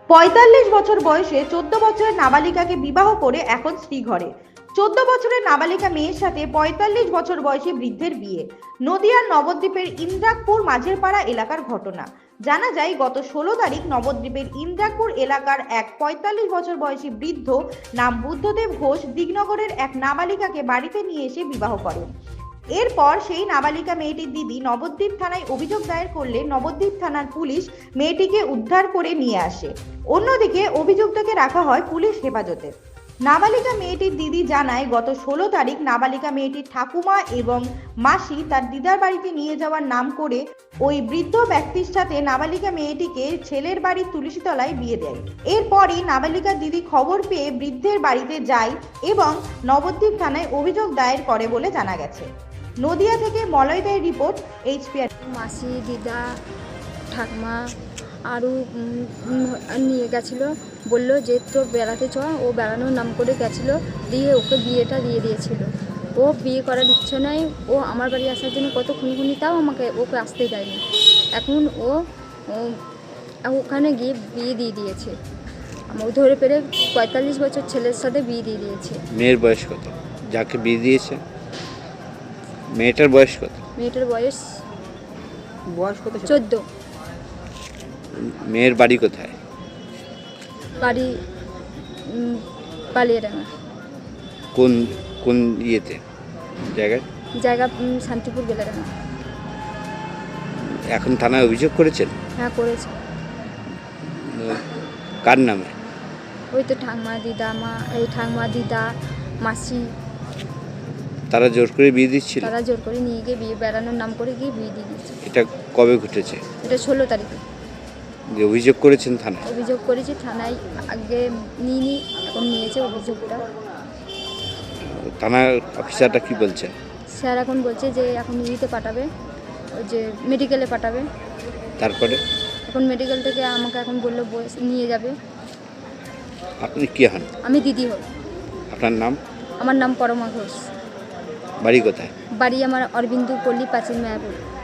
৪৫ বছর বয়সে ১৪ বছরের নাবালিকাকে বিবাহ করে এখন শ্রীঘরে। ১৪ বছরের নাবালিকা মেয়ের সাথে ৪৫ বছর বয়সী বৃদ্ধের বিয়ে। নদিয়ার নবদ্বীপের ইন্দ্রাকপুর মাঝেরপাড়া এলাকার ঘটনা। জানা যায় গত ১৬ তারিখ নবদ্বীপের ইন্দ্রাকপুর এলাকার এক ৪৫ বছর বয়সী বৃদ্ধ নাম বুদ্ধদেব ঘোষ দিগনগরের এক নাবালিকাকে বাড়িতে নিয়ে এসে বিবাহ করেন। এরপর সেই নাবালিকা মেয়েটির দিদি নবদ্বীপ থানায় অভিযোগ দায়ের করলে নবদ্বীপ থানার পুলিশ মেয়েটিকে উদ্ধার করে নিয়ে আসে। অন্যদিকে অভিযুক্তকে রাখা হয় পুলিশ হেফাজতে। নাবালিকা মেয়েটির দিদি জানায় গত ১৬ তারিখ নাবালিকা মেয়েটির ঠাকুমা এবং মাসি তার দিদার বাড়িতে নিয়ে যাওয়ার নাম করে ওই বৃদ্ধ ব্যক্তির সাথে নাবালিকা মেয়েটিকে ছেলের বাড়ির তুলসীতলায় বিয়ে দেয়। এরপরই নাবালিকার দিদি খবর পেয়ে বৃদ্ধের বাড়িতে যায় এবং নবদ্বীপ থানায় অভিযোগ দায়ের করে বলে জানা গেছে। নদিয়া থেকে মলয় দেয়ের রিপোর্ট, HPR। মাসি, দিদা, ঠাকমা আরও নিয়ে গেছিলো, বললো যে তো বেড়াতে চ। ও বেড়ানোর নাম করে গেছিলো, দিয়ে ওকে বিয়েটা দিয়ে দিয়েছিল। ও বিয়ে করার ইচ্ছে নয়, ও আমার বাড়ি আসার জন্য কত খুনি তাও ওকে আসতে দেয়নি। এখন ও ওখানে গিয়ে বিয়ে দিয়ে দিয়েছে। আমার ধরে পেরে ৪৫ বছর ছেলের সাথে বিয়ে দিয়ে দিয়েছে। মেয়ের বয়স কত যাকে বিয়ে দিয়েছে? মেয়েটার বয়স কত? মেয়েটার বয়স কত? 14। মেয়ের বাড়ি কোথায়? বাড়ি পালিয়াডাঙ্গা। কোন কোন ইয়েতে জায়গায়? জায়গা শান্তিপুর বেলাডাঙ্গা। এখন থানায় অভিযোগ করেছেন? হ্যাঁ, করেছে। কার নামে? ওই তো ঠাকমা, দিদা, মাসি। তারা জোর করে বিয়ে দিচ্ছিল? তারা জোর করে নিয়ে গিয়ে বেড়ানোর নাম করে গিয়ে বিয়ে দিয়ে দিয়েছে। এটা কবে ঘটেছে? এটা 16 তারিখে যে অভিযোগ করেছেন থানায়? অভিযোগ করেছি থানায়, আগে নিইনি, এখন নিয়েছে অভিযোগটা। থানার অফিসারটা কি বলছেন? স্যার এখন বলছে যে এখন নিতে পাঠাবে, ওই যে মেডিকেলে পাঠাবে। তারপরে এখন মেডিকেল থেকে আমাকে এখন বললো নিয়ে যাবে। আপনি কি হন? আমি দিদি হই। আপনার নাম? আমার নাম পরমা ঘোষ। বাড়ি কোথায়? বাড়ি আমার অরবিন্দু পল্লী, প্রাচীন মায়াপুর।